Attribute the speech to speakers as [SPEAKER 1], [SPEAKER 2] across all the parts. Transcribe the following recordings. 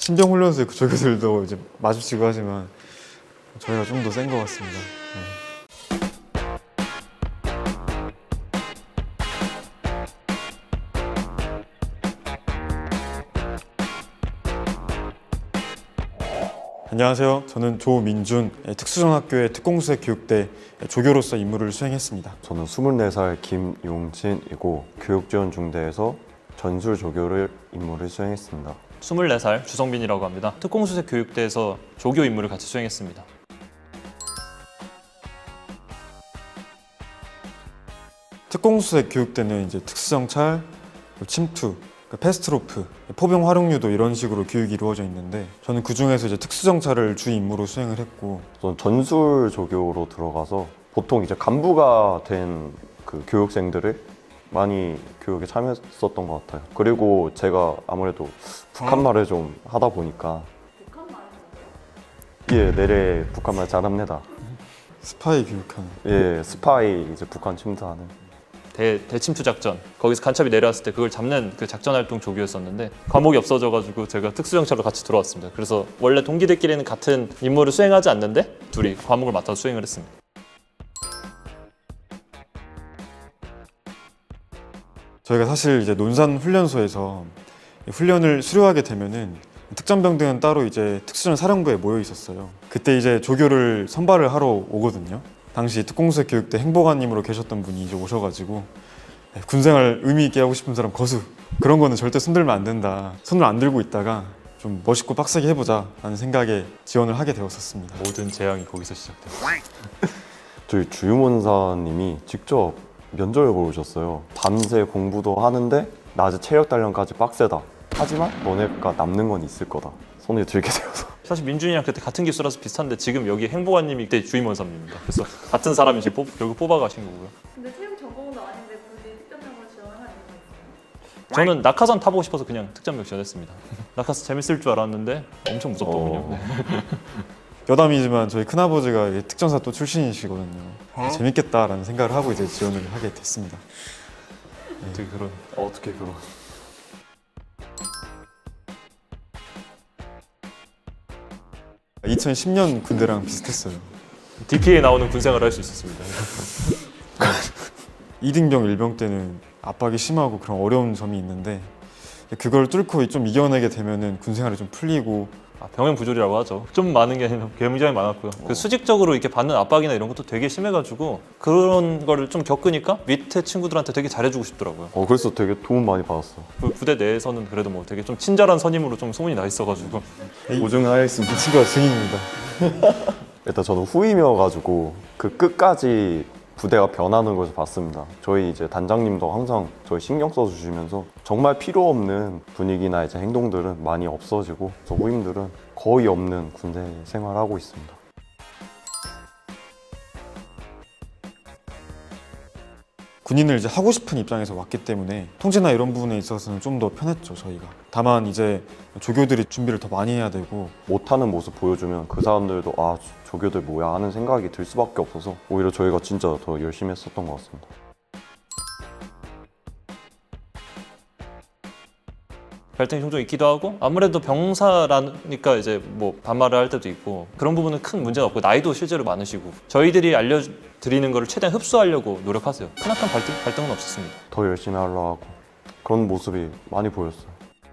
[SPEAKER 1] 신병훈련소의 그 조교들도 이제 마주치고 하지만 저희가 좀 더 센 것 같습니다. 안녕하세요. 저는 조민준, 특수전학교의 특공수색교육대 조교로서 임무를 수행했습니다.
[SPEAKER 2] 저는 24살 김용진이고 교육지원중대에서 전술 조교를 임무를 수행했습니다.
[SPEAKER 3] 24살 주성빈이라고 합니다. 특공수색 교육대에서 조교 임무를 같이 수행했습니다.
[SPEAKER 1] 특공수색 교육대는 이제 특수정찰, 침투, 패스트로프, 포병 활용유도 이런 식으로 교육이 이루어져 있는데 저는 그 중에서 이제 특수정찰을 주 임무로 수행을 했고
[SPEAKER 2] 저는 전술 조교로 들어가서 보통 이제 간부가 된 그 교육생들을 많이 교육에 참여했었던 것 같아요. 그리고 제가 아무래도 북한말을 좀 하다 보니까 예, 내래 북한말 잘합니다.
[SPEAKER 1] 스파이 교육하는.
[SPEAKER 2] 예, 스파이 이제 북한 침투하는.
[SPEAKER 3] 대침투 작전, 거기서 간첩이 내려왔을 때 그걸 잡는 그 작전 활동 조교였었는데 과목이 없어져가지고 제가 특수정찰로 같이 들어왔습니다. 그래서 원래 동기들끼리는 같은 임무를 수행하지 않는데 둘이 과목을 맡아서 수행을 했습니다.
[SPEAKER 1] 저희가 사실 이제 논산 훈련소에서 훈련을 수료하게 되면은 특전병들은 따로 이제 특수전 사령부에 모여 있었어요. 그때 이제 조교를 선발을 하러 오거든요. 당시 특공수색 교육대 행보관님으로 계셨던 분이 이제 오셔가지고 군생활 의미 있게 하고 싶은 사람 거수, 그런 거는 절대 손들면 안 된다. 손을 안 들고 있다가 좀 멋있고 빡세게 해보자 라는 생각에 지원을 하게 되었었습니다.
[SPEAKER 3] 모든 재앙이 거기서 시작돼요.
[SPEAKER 2] 저희 주임원사님이 직접 면접을 보셨어요. 밤새 공부도 하는데 낮에 체력 단련까지 빡세다. 하지만 너네가 남는 건 있을 거다. 손에 들게 되어서.
[SPEAKER 3] 사실 민준이랑 그때 같은 기수라서 비슷한데 지금 여기 행보관님이 그때 주임원사입니다. 그래서 같은 사람이 지금 결국 뽑아가신 거고요.
[SPEAKER 4] 근데 체육 전공도 아닌데 굳이 특전병을 지원하는 이유가 있어요?
[SPEAKER 3] 저는 낙하산 타보고 싶어서 그냥 특전병 지원했습니다. 낙하산 재밌을 줄 알았는데 엄청 무섭더군요. 네.
[SPEAKER 1] 여담이지만 저희 큰아버지가 특전사 또 출신이시거든요. 재밌겠다라는 생각을 하고 이제 지원을 하게 됐습니다.
[SPEAKER 3] 어떻게 그런
[SPEAKER 2] 어떻게 그런.
[SPEAKER 1] 2010년 군대랑 비슷했어요.
[SPEAKER 3] DP에 나오는 군생활을 할 수 있었습니다.
[SPEAKER 1] 2등병, 1병 때는 압박이 심하고 그런 어려운 점이 있는데 그걸 뚫고 좀 이겨내게 되면은 군생활이 좀 풀리고.
[SPEAKER 3] 병행 부조리라고 하죠. 좀 많은 게 아니라 굉장히 많았고요. 그 수직적으로 이렇게 받는 압박이나 이런 것도 되게 심해가지고 그런 거를 좀 겪으니까 밑에 친구들한테 되게 잘해주고 싶더라고요.
[SPEAKER 2] 그래서 되게 도움 많이 받았어.
[SPEAKER 3] 그 부대 내에서는 그래도 뭐 되게 좀 친절한 선임으로 좀 소문이 나 있어가지고
[SPEAKER 2] 보증하였습니다.
[SPEAKER 1] 이 친구가 증인입니다.
[SPEAKER 2] 일단 저는 후임이어가지고 그 끝까지 부대가 변하는 것을 봤습니다. 저희 이제 단장님도 항상 저희 신경 써주시면서 정말 필요 없는 분위기나 이제 행동들은 많이 없어지고 저 후임들은 거의 없는 군대 생활을 하고 있습니다.
[SPEAKER 1] 군인을 이제 하고 싶은 입장에서 왔기 때문에 통제나 이런 부분에 있어서는 좀 더 편했죠, 저희가. 다만 이제 조교들이 준비를 더 많이 해야 되고.
[SPEAKER 2] 못하는 모습 보여주면 그 사람들도 아 조교들 뭐야 하는 생각이 들 수밖에 없어서 오히려 저희가 진짜 더 열심히 했었던 것 같습니다.
[SPEAKER 3] 갈등이 종종 있기도 하고 아무래도 병사라니까 이제 뭐 반말을 할 때도 있고 그런 부분은 큰 문제가 없고 나이도 실제로 많으시고 저희들이 알려드리는 거를 최대한 흡수하려고 노력하세요. 크나큰 갈등은 없었습니다.
[SPEAKER 2] 더 열심히 하려고 하고 그런 모습이 많이 보였어요.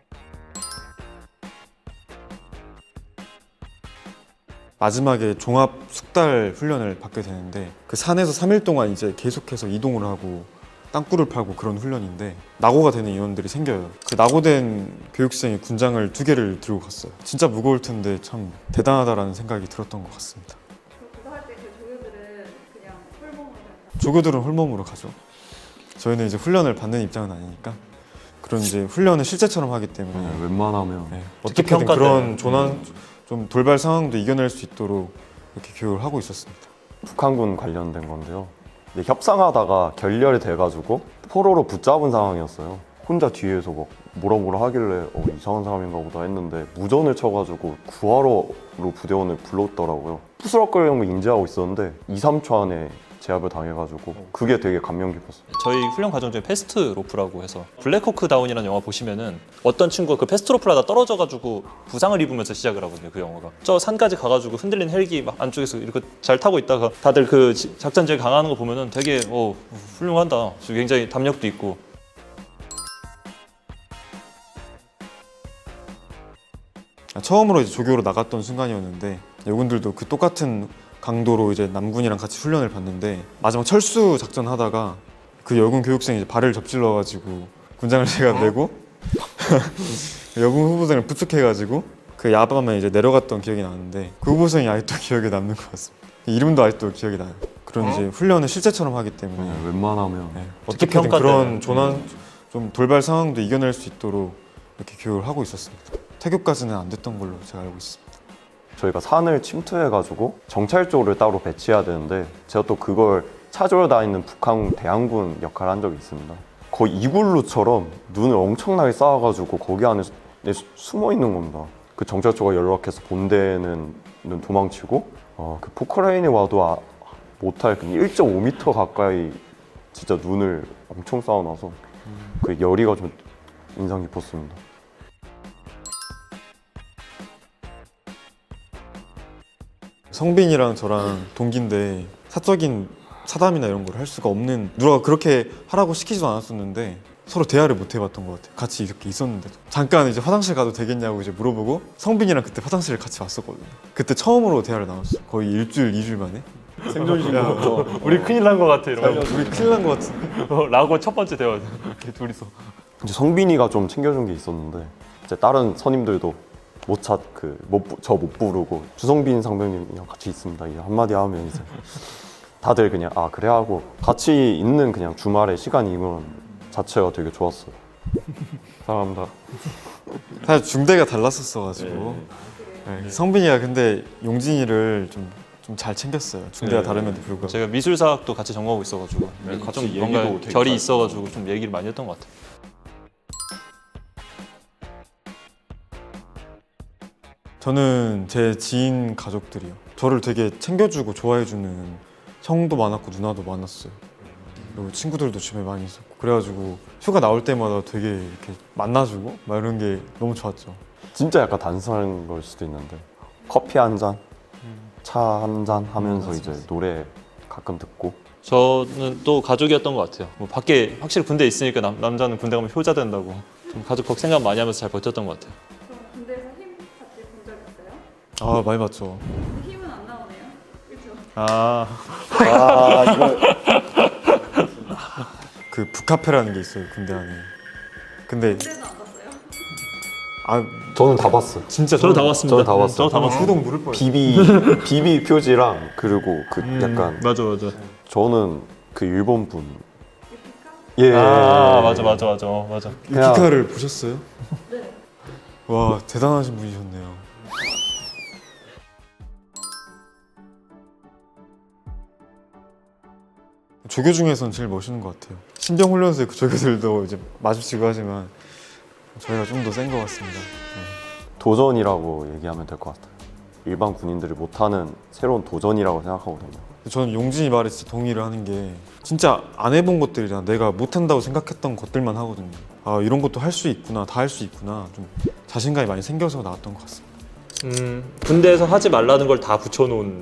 [SPEAKER 1] 마지막에 종합 숙달 훈련을 받게 되는데 그 산에서 3일 동안 이제 계속해서 이동을 하고 땅굴을 파고 그런 훈련인데 낙오가 되는 인원들이 생겨요. 그 낙오된 교육생이 군장을 2개를 들고 갔어요. 진짜 무거울 텐데 참 대단하다라는 생각이 들었던 것 같습니다.
[SPEAKER 4] 그거 할 때 그 조교들은 그냥 홀몸으로 그냥
[SPEAKER 1] 조교들은 홀몸으로 가죠. 저희는 이제 훈련을 받는 입장은 아니니까 그런 이제 훈련을 실제처럼 하기 때문에
[SPEAKER 2] 웬만하면
[SPEAKER 1] 어떻게든
[SPEAKER 3] 평가
[SPEAKER 1] 그런
[SPEAKER 3] 때는.
[SPEAKER 1] 좀 돌발 상황도 이겨낼 수 있도록 이렇게 교육을 하고 있었습니다.
[SPEAKER 2] 북한군 관련된 건데요. 근데 협상하다가 결렬이 돼가지고 포로로 붙잡은 상황이었어요. 혼자 뒤에서 막 뭐라 하길래 이상한 사람인가 보다 했는데 무전을 쳐가지고 구하러로 부대원을 불렀더라고요. 부스럭거리는 거 인지하고 있었는데 2, 3초 안에 제압을 당해가지고 그게 되게 감명 깊었어요.
[SPEAKER 3] 저희 훈련 과정 중에 패스트 로프라고 해서 블랙호크 다운이라는 영화 보시면은 어떤 친구가 그 패스트 로프를 하다 떨어져가지고 부상을 입으면서 시작을 하거든요. 그 영화가 저 산까지 가가지고 흔들린 헬기 막 안쪽에서 이렇게 잘 타고 있다가 다들 그 작전 제일 강하는 거 보면은 되게 훌륭하다. 굉장히 담력도 있고.
[SPEAKER 1] 처음으로 이제 조교로 나갔던 순간이었는데 요군들도 그 똑같은 강도로 이제 남군이랑 같이 훈련을 받는데 마지막 철수 작전 하다가 그 여군 교육생이 이제 발을 접질러가지고 군장을 제가 내고 여군 후보생을 부축해가지고 그 야밤에 이제 내려갔던 기억이 나는데 그 후보생이 아직도 기억에 남는 것 같습니다. 이름도 아직도 기억이 나요. 그런 이제 훈련을 실제처럼 하기 때문에
[SPEAKER 2] 네, 웬만하면
[SPEAKER 1] 어떻게든
[SPEAKER 3] 평가
[SPEAKER 1] 그런
[SPEAKER 3] 때는.
[SPEAKER 1] 조난 좀 돌발 상황도 이겨낼 수 있도록 이렇게 교육을 하고 있었습니다. 태교까지는 안 됐던 걸로 제가 알고 있습니다.
[SPEAKER 2] 저희가 산을 침투해가지고 정찰조를 따로 배치해야 되는데 제가 또 그걸 찾으러 다니는 북한 대항군 역할을 한 적이 있습니다. 거의 이글루처럼 눈을 엄청나게 쌓아가지고 거기 안에 숨어 있는 겁니다. 그 정찰조가 연락해서 본대는 도망치고 그 포크레인이 와도 못할 1.5m 가까이 진짜 눈을 엄청 쌓아놔서 그 열의가 좀 인상 깊었습니다.
[SPEAKER 1] 성빈이랑 저랑 동기인데 사적인 사담이나 이런 걸 할 수가 없는, 누가 그렇게 하라고 시키지도 않았었는데 서로 대화를 못 해봤던 것 같아요. 같이 이렇게 있었는데도 잠깐 이제 화장실 가도 되겠냐고 이제 물어보고 성빈이랑 그때 화장실을 같이 왔었거든요. 그때 처음으로 대화를 나눴어요. 거의 일주일, 2주일 만에. 생존신고.
[SPEAKER 3] 우리 큰일 난 것 같아 이러면.
[SPEAKER 1] 우리 큰일 난 것 같은데.
[SPEAKER 3] 라고 첫 번째 대화. 이렇게 둘이서.
[SPEAKER 2] 이제 성빈이가 좀 챙겨준 게 있었는데 이제 다른 선임들도 저 못 부르고 주성빈 상병님이랑 같이 있습니다. 이제 한마디 하면 이제 다들 그냥 그래 하고 같이 있는 그냥 주말에 시간이 이건 자체가 되게 좋았어요. 사랑합니다.
[SPEAKER 1] 사실 중대가 달랐었어가지고 네, 성빈이가 근데 용진이를 좀 잘 챙겼어요. 중대가
[SPEAKER 3] 네.
[SPEAKER 1] 다름에도 불구하고.
[SPEAKER 3] 제가 미술사학도 같이 전공하고 있어가지고 좀 뭔가 결이 있어가지고 좀 얘기를 많이 했던 것 같아요.
[SPEAKER 1] 저는 제 지인 가족들이요. 저를 되게 챙겨주고 좋아해주는 형도 많았고 누나도 많았어요. 그리고 친구들도 주변에 많이 있었고 그래가지고 휴가 나올 때마다 되게 이렇게 만나주고 막 이런 게 너무 좋았죠.
[SPEAKER 2] 진짜 약간 단순한 걸 수도 있는데 커피 한 잔, 차 한 잔 하면서 이제 노래 가끔 듣고
[SPEAKER 3] 저는 또 가족이었던 것 같아요. 뭐 밖에 확실히 군대 에 있으니까 남자는 군대 가면 효자 된다고 좀 가족 생각 많이 하면서 잘 버텼던 것 같아요.
[SPEAKER 4] 그럼 군대에서 힘 받지 본 적 있어요?
[SPEAKER 1] 아 많이 봤죠.
[SPEAKER 4] 근데 힘은 안 나오네요. 그렇죠?
[SPEAKER 1] 그 북카페라는 게 있어요 군대 안에. 근데
[SPEAKER 4] 군대는 안 봤어요?
[SPEAKER 2] 저는 다 봤어요.
[SPEAKER 1] 진짜
[SPEAKER 3] 저도 다 봤습니다.
[SPEAKER 2] 저도 다 봤어요.
[SPEAKER 3] 저도 다 봤어요.
[SPEAKER 1] 후동 물을 뻔했어요.
[SPEAKER 2] 비비 표지랑 그리고 그 약간
[SPEAKER 3] 맞아.
[SPEAKER 2] 저는 그 일본 분
[SPEAKER 4] 유피카?
[SPEAKER 2] 예.
[SPEAKER 3] 맞아.
[SPEAKER 2] 그냥-
[SPEAKER 1] 유키카를 보셨어요?
[SPEAKER 4] 네.
[SPEAKER 1] 와 대단하신 분이셨네요. 조교 중에서는 제일 멋있는 것 같아요. 신병훈련소의 그 조교들도 이제 마주치고 하지만 저희가 좀 더 센 것 같습니다.
[SPEAKER 2] 도전이라고 얘기하면 될 것 같아요. 일반 군인들이 못하는 새로운 도전이라고 생각하거든요.
[SPEAKER 1] 저는 용진이 말에 진짜 동의를 하는 게 진짜 안 해본 것들이잖아. 내가 못한다고 생각했던 것들만 하거든요. 이런 것도 할 수 있구나, 다 할 수 있구나, 좀 자신감이 많이 생겨서 나왔던 것 같습니다.
[SPEAKER 3] 군대에서 하지 말라는 걸 다 붙여놓은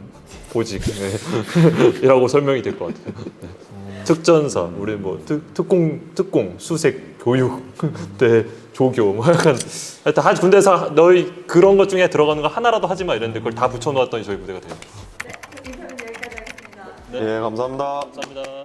[SPEAKER 3] 보직이라고 설명이 될 것 같아요. 특전사, 우리 뭐 특공, 수색, 교육, 때 조교, 뭐 약간 하여튼 군대에서 너희 그런 것 중에 들어가는 거 하나라도 하지 마 이랬는데 그걸 다 붙여놓았더니 저희 부대가 돼요.
[SPEAKER 4] 네. 인터뷰 여기까지 하겠습니다.
[SPEAKER 2] 예, 감사합니다.
[SPEAKER 3] 감사합니다.